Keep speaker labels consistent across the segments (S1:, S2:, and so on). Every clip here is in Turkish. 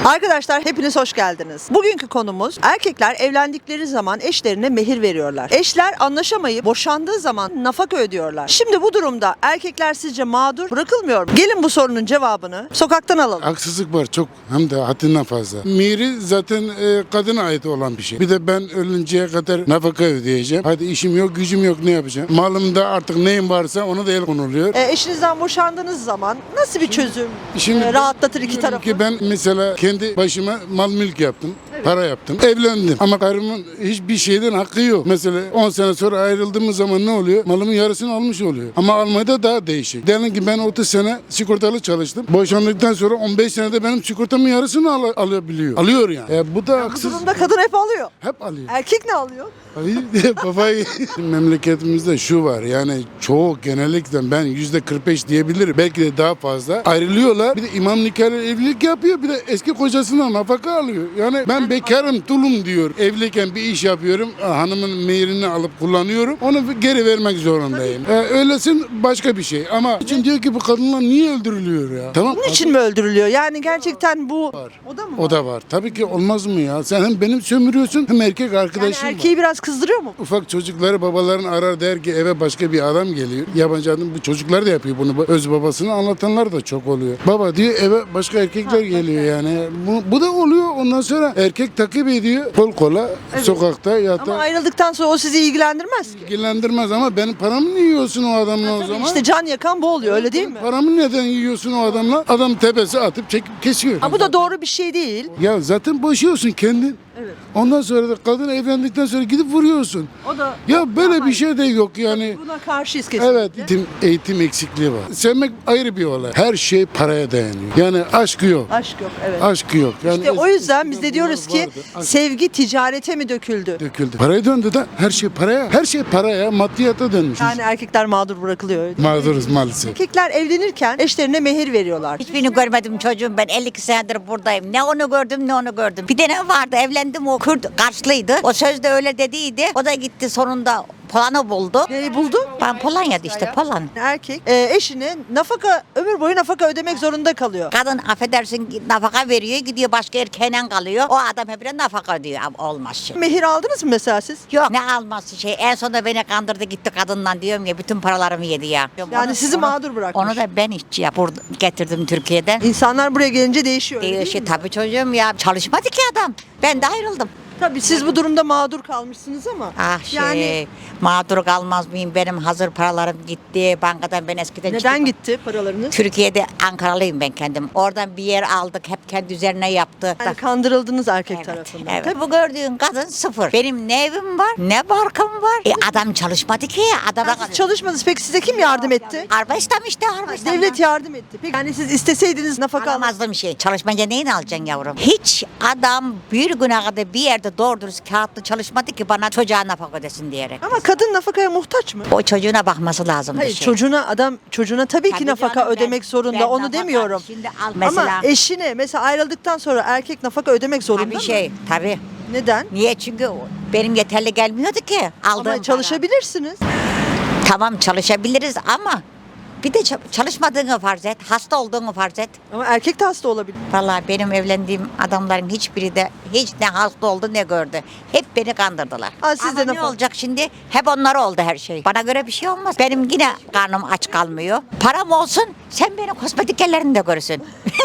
S1: Arkadaşlar hepiniz hoş geldiniz. Bugünkü konumuz erkekler evlendikleri zaman eşlerine mehir veriyorlar. Eşler anlaşamayıp boşandığı zaman nafaka ödüyorlar. Şimdi bu durumda erkekler sizce mağdur bırakılmıyor mu? Gelin bu sorunun cevabını sokaktan alalım.
S2: Haksızlık var çok, hem de haddinden fazla. Mihri zaten kadına ait olan bir şey. Bir de ben ölünceye kadar nafaka ödeyeceğim. Hadi işim yok, gücüm yok, ne yapacağım? Malımda artık neyim varsa ona da el konuluyor.
S1: Eşinizden boşandığınız zaman nasıl bir çözüm
S2: Şimdi
S1: rahatlatır iki
S2: diyorum
S1: tarafı?
S2: ki ben mesela kendi başıma mal mülk yaptım. Para yaptım. Evlendim. Ama karımın hiçbir şeyden hakkı yok. Mesela 10 sene sonra ayrıldığımız zaman ne oluyor? Malımın yarısını almış oluyor. Ama Almanya'da daha değişik. Diyelim ki ben 30 sene sigortalı çalıştım. Boşandıktan sonra 15 senede benim sigortamın yarısını alabiliyor. Alıyor yani. Bu da
S1: Bu
S2: haksız.
S1: durumda kadın hep alıyor.
S2: Hep alıyor.
S1: Erkek ne alıyor?
S2: Hayır, babayı. Memleketimizde şu var, yani çoğu, genellikle ben %45 diyebilirim. Belki de daha fazla. Ayrılıyorlar. Bir de imam nikahıyla evlilik yapıyor. Bir de eski kocasından nafaka alıyor. Yani ben bekarım, tulum diyor. Evliyken bir iş yapıyorum. Hanımın mehirini alıp kullanıyorum. Onu geri vermek zorundayım. Öylesin başka bir şey. Ama için diyor ki bu kadınlar niye öldürülüyor ya? Tamam.
S1: Bunun için mi öldürülüyor? Yani gerçekten bu...
S2: Var.
S1: O da mı
S2: O da var. Tabii ki olmaz mı ya? Sen hem benim sömürüyorsun hem erkek
S1: Yani
S2: arkadaşın var.
S1: erkeği biraz kızdırıyor mu?
S2: Ufak çocukları babaların arar, der ki eve başka bir adam geliyor. Yabancı adam, bu çocuklar da yapıyor bunu. Öz babasını anlatanlar da çok oluyor. Baba diyor, eve başka erkekler geliyor yani. Bu da oluyor. Ondan sonra erkek takip ediyor. Kol kola sokakta ya
S1: Ama
S2: da
S1: ayrıldıktan sonra o sizi ilgilendirmez ki.
S2: ilgilendirmez, ama benim paramı niye yiyorsun o adamla o zaman?
S1: İşte can yakan bu oluyor, öyle değil mi?
S2: Paramı neden yiyorsun o adamla? Adam tepesi atıp çekip kesiyor.
S1: Ama bu da doğru bir şey değil.
S2: Ya zaten boşuyorsun kendin.
S1: Evet.
S2: Ondan sonra da kadın evlendikten sonra gidip vuruyorsun.
S1: O da
S2: Ya böyle bir şey de yok yani.
S1: buna karşıyız kesinlikle.
S2: Evet, eğitim eksikliği var. Sevmek ayrı bir olay. Her şey paraya dayanıyor. Yani aşk yok.
S1: Aşk yok, evet.
S2: Aşk yok. Yani
S1: İşte o yüzden biz
S2: eskiden
S1: de diyoruz
S2: bunlar
S1: ki
S2: vardı. Aşk
S1: sevgi ticarete mi döküldü?
S2: döküldü. Paraya döndü de her şey paraya. Her şey paraya, maddiyata dönmüş.
S1: Yani erkekler mağdur bırakılıyor. Öyle.
S2: Mağduruz maalesef.
S1: Erkekler evlenirken eşlerine mehir veriyorlar.
S3: Hiçbirini görmedim çocuğum, ben 52 senedir buradayım. Ne onu gördüm ne onu gördüm. Bir tane vardı, evlendim, o Kürt Karslıydı. O sözde öyle dediydi. O da gitti sonunda Polan'ı buldu.
S1: Neyi buldu?
S3: Ben Polonya'da işte Polan.
S1: Erkek eşine nafaka, ömür boyu nafaka ödemek zorunda kalıyor.
S3: Kadın affedersin nafaka veriyor, gidiyor başka erkeğine kalıyor. O adam hep nafaka ödüyor. Olmaz şey.
S1: Mehir aldınız mı mesela siz?
S3: Yok, ne alması şey. En sonunda beni kandırdı gitti kadından, diyorum ya, bütün paralarımı yedi ya.
S1: Yani sizi mağdur bırakmış.
S3: Onu da ben işçi getirdim Türkiye'den.
S1: İnsanlar buraya gelince değişiyor. öyle değil
S3: Değişti
S1: mi?
S3: tabii çocuğum ya. Çalışmadı ki adam. Ben de ayrıldım.
S1: Tabii siz bu durumda mağdur kalmışsınız ama.
S3: Ah şey,
S1: Yani
S3: mağdur kalmaz mıyım? Benim hazır paralarım gitti. Bankadan ben eskiden
S1: neden
S3: çıktım.
S1: gitti paralarınız?
S3: Türkiye'de, Ankaralıyım ben kendim. Oradan bir yer aldık. Hep kendi üzerine yaptı.
S1: Yani kandırıldınız erkek
S3: Evet,
S1: tarafından.
S3: evet.
S1: Tabii.
S3: Bu gördüğün kadın sıfır. Benim ne evim var, ne barkım var. Adam çalışmadı ki. Adam
S1: Siz çalışmadınız. Peki size kim yardım etti?
S3: Arbestam işte, arbestam.
S1: Devlet yardım etti. Peki yani siz isteseydiniz nafaka alamaz.
S3: Alamazdım şey. Çalışmayınca neyini alacaksın yavrum? Hiç adam bir güne kadar bir yerde doğru dürüst kağıtlı çalışmadı ki bana çocuğa nafaka ödesin diyerek.
S1: Ama kadın nafakaya muhtaç mı?
S3: O çocuğuna bakması lazım.
S1: Hayır, çocuğuna tabii ki
S3: Tabii
S1: nafaka
S3: canım,
S1: ödemek zorunda.
S3: ben
S1: Onu
S3: nafaka-
S1: demiyorum.
S3: Şimdi al mesela.
S1: Ama eşine mesela ayrıldıktan sonra erkek nafaka ödemek zorunda
S3: Tabii
S1: mı?
S3: şey, tabii.
S1: Neden?
S3: Niye? Çünkü benim yeterli gelmiyordu ki. Aldığım
S1: Ama
S3: para.
S1: çalışabilirsiniz.
S3: Tamam, çalışabiliriz ama bir de çalışmadığını farz et, hasta olduğunu farz et.
S1: Ama erkek de hasta olabilir.
S3: Vallahi benim evlendiğim adamların hiçbiri de hiç ne hasta oldu ne gördü. Hep beni kandırdılar.
S1: Aa, siz
S3: Ama
S1: de
S3: ne
S1: nafaka-
S3: olacak şimdi? Hep onlara oldu her şey. Bana göre bir şey olmaz. Benim yine karnım aç kalmıyor. Param olsun, sen beni kosmetik ellerinde görürsün.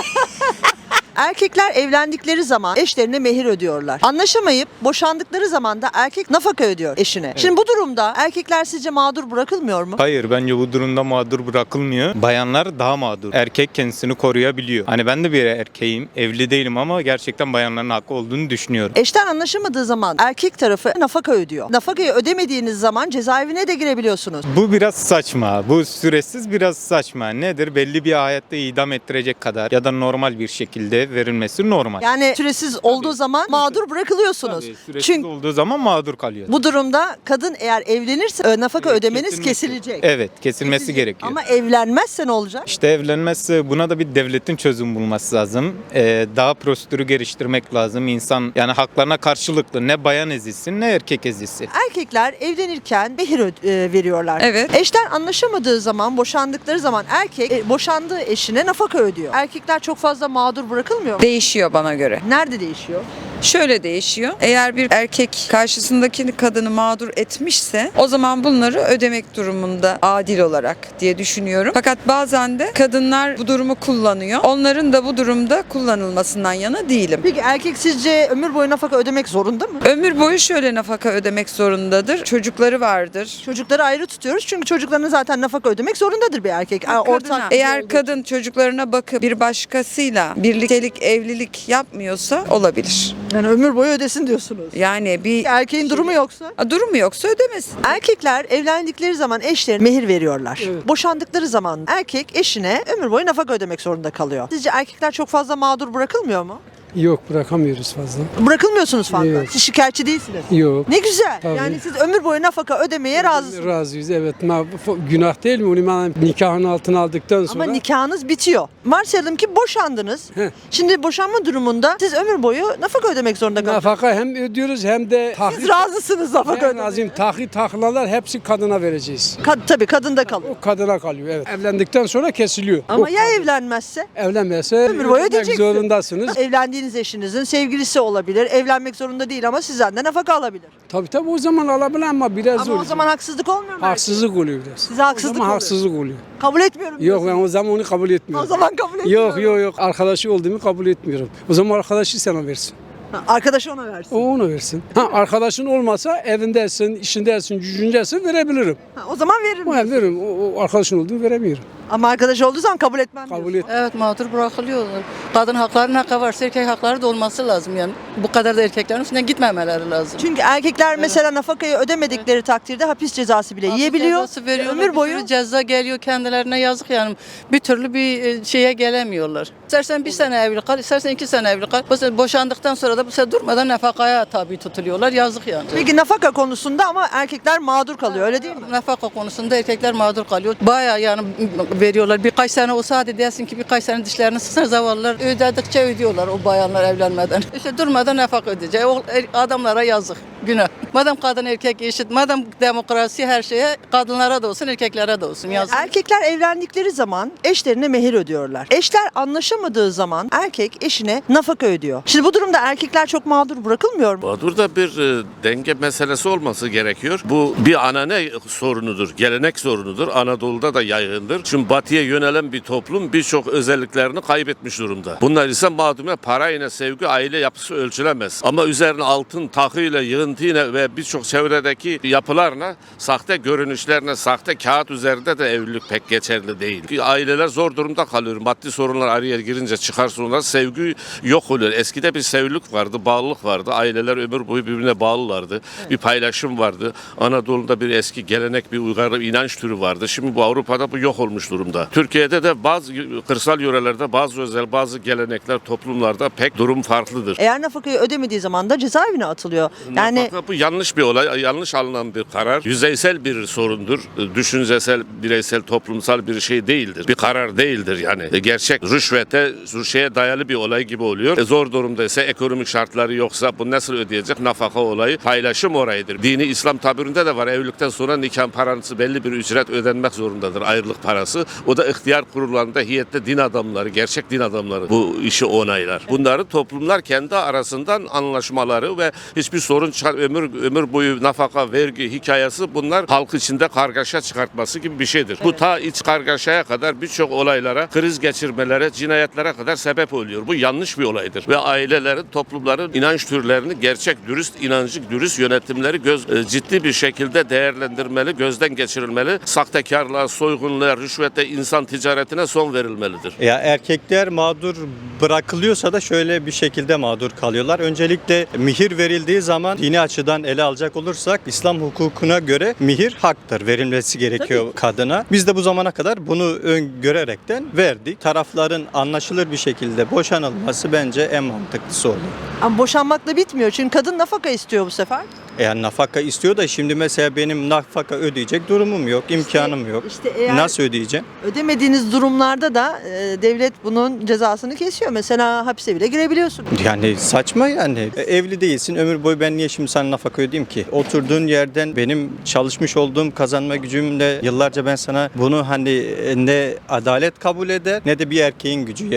S1: Erkekler evlendikleri zaman eşlerine mehir ödüyorlar. Anlaşamayıp boşandıkları zaman da erkek nafaka ödüyor eşine. Şimdi bu durumda erkekler sizce mağdur bırakılmıyor mu?
S4: Hayır, bence bu durumda mağdur bırakılmıyor. Bayanlar daha mağdur. Erkek kendisini koruyabiliyor. Hani ben de bir erkeğim, evli değilim ama gerçekten bayanların hakkı olduğunu düşünüyorum.
S1: Eşten anlaşamadığı zaman erkek tarafı nafaka ödüyor. Nafakayı ödemediğiniz zaman cezaevine de girebiliyorsunuz.
S4: Bu biraz saçma. Bu süresiz biraz saçma. Nedir? Belli bir hayatta idam ettirecek kadar ya da normal bir şekilde verilmesi normal.
S1: Yani süresiz olduğu zaman mağdur bırakılıyorsunuz.
S4: Tabii, süresiz
S1: Çünkü
S4: olduğu zaman mağdur kalıyor.
S1: bu durumda kadın eğer evlenirse nafaka ödemeniz
S4: Kesilmesi-
S1: kesilecek.
S4: Evet, kesilmesi gerekiyor.
S1: Ama evlenmezse ne olacak?
S4: İşte evlenmezse buna da bir devletin çözüm bulması lazım. Daha prosedürü geliştirmek lazım. İnsan yani haklarına karşılıklı ne bayan ezilsin ne erkek ezilsin.
S1: Erkekler evlenirken mehir veriyorlar.
S5: Evet.
S1: Eşten anlaşamadığı zaman, boşandıkları zaman erkek boşandığı eşine nafaka ödüyor. Erkekler çok fazla mağdur bırakılmıyor bırakılmıyor mu?
S5: Değişiyor bana göre.
S1: Nerede değişiyor?
S5: Şöyle değişiyor. Eğer bir erkek karşısındaki kadını mağdur etmişse o zaman bunları ödemek durumunda adil olarak diye düşünüyorum. Fakat bazen de kadınlar bu durumu kullanıyor. Onların da bu durumda kullanılmasından yana değilim.
S1: Peki erkek sizce ömür boyu nafaka ödemek zorunda mı?
S5: Ömür boyu şöyle nafaka ödemek zorundadır. Çocukları vardır.
S1: Çocukları ayrı tutuyoruz çünkü çocuklarına zaten nafaka ödemek zorundadır bir erkek.
S5: Kadına, eğer kadın çocuklarına bakıp bir başkasıyla birliktelik, evlilik yapmıyorsa olabilir.
S1: Yani ömür boyu ödesin diyorsunuz.
S5: Yani bir
S1: Erkeğin durumu yoksa?
S5: durumu yoksa ödemesin.
S1: Erkekler evlendikleri zaman eşlerine mehir veriyorlar. Boşandıkları zaman erkek eşine ömür boyu nafaka ödemek zorunda kalıyor. Sizce erkekler çok fazla mağdur bırakılmıyor mu?
S6: Yok, bırakamıyoruz fazla.
S1: Bırakılmıyorsunuz fazla.
S6: Yok.
S1: Siz şikayetçi değilsiniz.
S6: Yok.
S1: Ne güzel.
S6: Tabii.
S1: Yani siz ömür boyu nafaka ödemeye razısınız.
S6: Razıyız, evet. Günah değil mi? Onu ben nikahın altına aldıktan sonra.
S1: Ama nikahınız bitiyor. Varsayalım ki boşandınız.
S6: Heh.
S1: Şimdi boşanma durumunda siz ömür boyu nafaka ödemek zorunda kalıyorsunuz.
S6: Nafaka hem ödüyoruz hem de
S1: Siz razısınız nafaka
S6: en
S1: ödemeye.
S6: azim taklalar hepsi kadına vereceğiz.
S1: Tabii kadın da kalıyor.
S6: O kadına kalıyor, evet. Evlendikten sonra kesiliyor.
S1: Ama
S6: O
S1: ya evlenmezse?
S6: evlenmezse
S1: Ömür boyu
S6: ödemek
S1: ödeyeceksiniz.
S6: zorundasınız.
S1: Evlendiğiniz eşinizin sevgilisi olabilir. Evlenmek zorunda değil ama sizden de nafaka alabilir.
S6: Tabii o zaman alabilir ama biraz
S1: Ama
S6: zor.
S1: o zaman haksızlık olmuyor mu?
S6: haksızlık oluyor biraz.
S1: Size haksızlık
S6: O zaman
S1: oluyor.
S6: haksızlık oluyor.
S1: Kabul etmiyorum
S6: Yok,
S1: diyorsunuz.
S6: ben o zaman onu kabul
S1: O
S6: etmiyorum.
S1: zaman kabul etmiyorum.
S6: Yok, arkadaşı olduğumu kabul etmiyorum. O zaman arkadaşı sana versin.
S1: Ha, arkadaşı ona versin.
S6: O onu versin. Arkadaşın olmasa evindesin, işindesin, gücündesin verebilirim.
S1: Ha, o zaman veririm.
S6: Ama veririm. O arkadaşın olduğunu veremiyorum.
S1: Ama arkadaş olduğu zaman kabul etmem
S6: Kabul
S1: diyorsun.
S6: et.
S7: Evet, mağdur bırakılıyorlar. Kadın hakları ne kadar varsa erkek hakları da olması lazım yani. Bu kadar da erkeklerin üstünden gitmemeleri lazım.
S1: Çünkü erkekler mesela nafakayı ödemedikleri takdirde hapis cezası bile yiyebiliyor.
S7: Cezası veriyorlar,
S1: Ömür
S7: bir
S1: boyu
S7: sürü ceza geliyor kendilerine, yazık yani. Bir türlü bir şeye gelemiyorlar. İstersen bir sene evli kal, istersen 2 sene evli kal. Bu sefer boşandıktan sonra da bu sefer durmadan nafakaya tabi tutuluyorlar. Yazık yani.
S1: peki nafaka konusunda ama erkekler mağdur kalıyor öyle değil mi?
S7: Nafaka konusunda erkekler mağdur kalıyor. Bayağı yani veriyorlar. Birkaç sene olsa hadi dersin ki birkaç sene dişlerini sıksana, zavallılar ödedikçe ödüyorlar o bayanlar evlenmeden. İşte durmadan nafaka ödeyecek. O adamlara yazık. Günah. Madem kadın erkek eşit, madem demokrasi her şeye kadınlara da olsun erkeklere de olsun. Yazık.
S1: Erkekler evlendikleri zaman eşlerine mehir ödüyorlar. Eşler anlaşamadığı zaman erkek eşine nafaka ödüyor. Şimdi bu durumda erkekler çok mağdur bırakılmıyor mu?
S8: Mağdur da bir denge meselesi olması gerekiyor. Bu bir anane sorunudur, gelenek sorunudur. Anadolu'da da yaygındır. Şimdi batıya yönelen bir toplum birçok özelliklerini kaybetmiş durumda. Bunlar ise mağduriyet, parayla sevgi, aile yapısı ölçülemez. Ama üzerine altın takıyla, yığıntıyla ve birçok çevredeki yapılarla, sahte görünüşlerine, sahte kağıt üzerinde de evlilik pek geçerli değil. Ki aileler zor durumda kalıyor. Maddi sorunlar araya girince, çıkar sorunlar, sevgi yok oluyor. Eskide bir sevgilik vardı, bağlılık vardı. Aileler ömür boyu birbirine bağlılardı. Bir paylaşım vardı. Anadolu'da bir eski gelenek, bir uygarlık, inanç türü vardı. Şimdi bu Avrupa'da bu yok olmuş durumda. Türkiye'de de bazı kırsal yörelerde bazı gelenekler, toplumlarda pek durum farklıdır.
S1: Eğer nafakayı ödemediği zaman da cezaevine atılıyor. Yani
S8: Nafaka bu yanlış bir olay, yanlış alınan bir karar. Yüzeysel bir sorundur. Düşüncesel, bireysel, toplumsal bir şey değildir. Bir karar değildir yani. Gerçek rüşvete dayalı bir olay gibi oluyor. Zor durumdaysa, ekonomik şartları yoksa bu nasıl ödeyecek? Nafaka olayı paylaşım orayıdır. Dini İslam tabirinde de var. Evlilikten sonra nikah parası belli bir ücret ödenmek zorundadır. Ayrılık parası. O da ihtiyar kurullarında heyette din adamları, gerçek din adamları bu işi onaylar. Bunları toplumlar kendi arasından anlaşmaları ve hiçbir sorun ömür boyu nafaka, vergi hikayesi, bunlar halk içinde kargaşa çıkartması gibi bir şeydir. Bu ta iç kargaşaya kadar birçok olaylara, kriz geçirmelere, cinayetlere kadar sebep oluyor. Bu yanlış bir olaydır. Ve ailelerin, toplumların inanç türlerini, gerçek dürüst inancı, dürüst yönetimleri ciddi bir şekilde değerlendirmeli, gözden geçirilmeli. Sahtekarlığa, soygunluğa, rüşvete, insan ticaretine son verilmelidir.
S9: Ya erkekler mağdur bırakılıyorsa da şöyle bir şekilde mağdur kalıyorlar. Öncelikle mihir verildiği zaman dini açıdan ele alacak olursak İslam hukukuna göre mihir haktır. Verilmesi gerekiyor kadına. Biz de bu zamana kadar bunu öngörerekten verdik. Tarafların anlaşılır bir şekilde boşanılması bence en mantıklısı oluyor.
S1: ama boşanmakla bitmiyor. Çünkü kadın nafaka istiyor bu sefer.
S9: Eğer nafaka istiyor da şimdi mesela benim nafaka ödeyecek durumum yok, imkanım yok.
S1: İşte eğer
S9: Nasıl ödeyeceğim?
S1: ödemediğiniz durumlarda da devlet bunun cezasını kesiyor. Mesela hapse bile girebiliyorsunuz.
S9: Yani saçma yani. Evli değilsin, ömür boyu ben niye şimdi sana nafaka ödeyeyim ki? Oturduğun yerden benim çalışmış olduğum kazanma gücümle yıllarca ben sana bunu hani ne adalet kabul eder ne de bir erkeğin gücü yeter.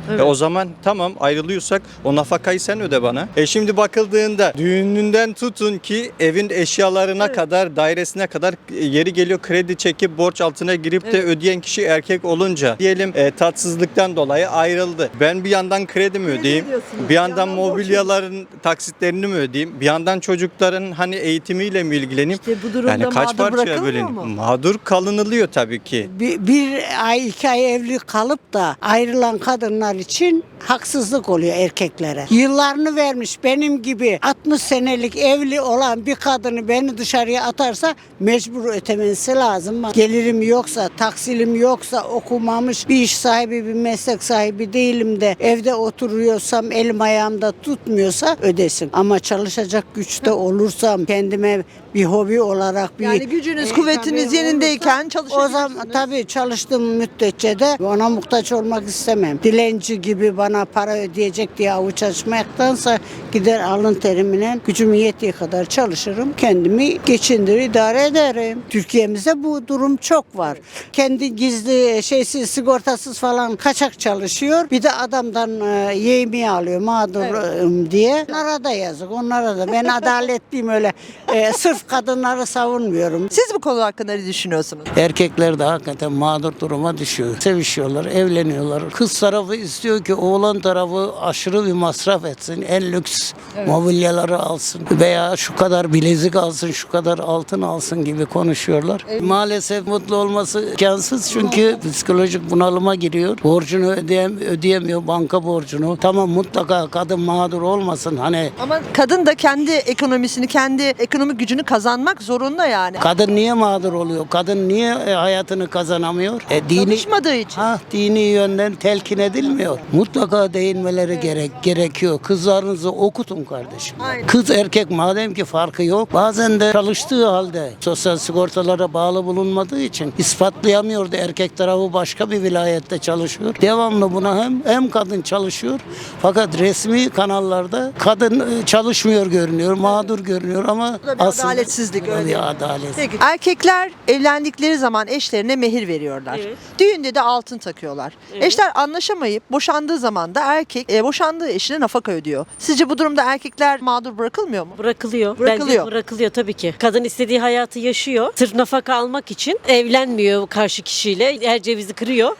S9: O zaman tamam, ayrılıyorsak o nafakayı sen öde bana. Şimdi bakıldığında düğününden tutun ki evin eşyalarına kadar, dairesine kadar yeri geliyor kredi çekip borç altına girip de ödeyen kişi erkek olunca diyelim tatsızlıktan dolayı ayrıldı. Ben bir yandan kredi mi ödeyeyim? Bir yandan mobilyaların taksitlerini mi ödeyeyim? Bir yandan çocukların hani eğitimiyle mi ilgileneyim?
S1: İşte bu durumda
S9: Yani kaç
S1: mağdur
S9: parçaya
S1: bırakılmıyor
S9: bölüneyim?
S1: mu?
S9: Mağdur kalınılıyor tabii ki.
S10: Bir ay 2 ay evli kalıp da ayrılan kadınlar için haksızlık oluyor erkeklere. Yıllarını vermiş benim gibi 60 senelik evli olan bir kadını beni dışarıya atarsa mecbur ötemesi lazım. Gelirim yoksa, taksilim yoksa, okumamış bir iş sahibi, bir meslek sahibi değilim de evde oturuyorsam, elim ayağımda tutmuyorsa ödesin. Ama çalışacak güçte olursam, kendime bir hobi olarak bir...
S1: Yani gücünüz, kuvvetiniz
S10: tabii
S1: yerindeyken
S10: olursa,
S1: çalışabilirsiniz.
S10: o zaman tabii çalıştığım müddetçe de ona muhtaç olmak istemem. Dilenci gibi bana para ödeyecek diye avuç açmaktansa gider alın terimine gücüm yettiği kadar çalışırım. Kendimi geçindirir, idare ederim. Türkiye'mizde bu durum çok var. Kendi gizli, şeysiz, sigortasız falan kaçak çalışıyor. Bir de adamdan yemeği alıyor mağdur diye. Onlara da yazık, onlara da. Ben adaletliyim öyle. Sırf kadınları savunmuyorum.
S1: Siz bu konu hakkında ne düşünüyorsunuz?
S11: Erkekler de hakikaten mağdur duruma düşüyor. Sevişiyorlar, evleniyorlar. Kız tarafı istiyor ki oğlan tarafı aşırı bir masraf etsin. En lüks mobilyaları alsın veya şu kadar bilezik alsın, şu kadar altın alsın gibi konuşuyorlar. Maalesef mutlu olması imkansız çünkü psikolojik bunalıma giriyor. Borcunu ödeyemiyor, banka borcunu. Tamam, mutlaka kadın mağdur olmasın. Hani
S1: Ama kadın da kendi ekonomisini, kendi ekonomik gücünü kazanmak zorunda yani.
S11: kadın niye mağdur oluyor? Kadın niye hayatını kazanamıyor?
S1: Çalışmadığı için.
S11: Dini yönden telkin edilmiyor. Mutlaka değinmeleri gerekiyor. Kızlarınızı okutun kardeşim.
S1: Aynen.
S11: Kız erkek madem ki farkı yok. Bazen de çalıştığı halde sosyal sigortalara bağlı bulunmadığı için ispatlayamıyordu. Erkek tarafı başka bir vilayette çalışıyor. Devamlı buna hem kadın çalışıyor. Fakat resmi kanallarda kadın çalışmıyor görünüyor. Mağdur görünüyor ama
S1: Bu da bir
S11: aslında
S1: adaletsizlik, öyle değil mi?
S11: adalet.
S1: Peki. Erkekler evlendikleri zaman eşlerine mehir veriyorlar.
S12: Evet.
S1: Düğünde de altın takıyorlar.
S12: Evet.
S1: Eşler anlaşamayıp boşandığı zaman da erkek boşandığı eşine nafaka ödüyor. Sizce bu durumda erkekler mağdur bırakılmıyor mu?
S12: Bırakılıyor.
S1: Bırakılıyor.
S12: Bence bırakılıyor tabii ki. Kadın istediği hayatı yaşıyor. Sırf nafaka almak için evlenmiyor karşı kişiyle. Her cevizi kırıyor.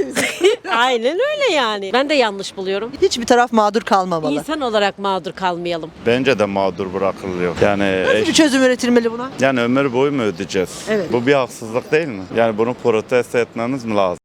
S12: Aynen öyle yani. Ben de yanlış buluyorum.
S1: Hiçbir taraf mağdur kalmamalı.
S12: İnsan olarak mağdur kalmayalım.
S13: Bence de mağdur bırakılıyor. Yani
S1: Nasıl bir çözüm üretilmeli buna?
S13: yani ömür boyu mu ödeyeceğiz?
S1: Evet.
S13: Bu bir haksızlık değil mi? Yani bunu protesto etmemiz mi lazım?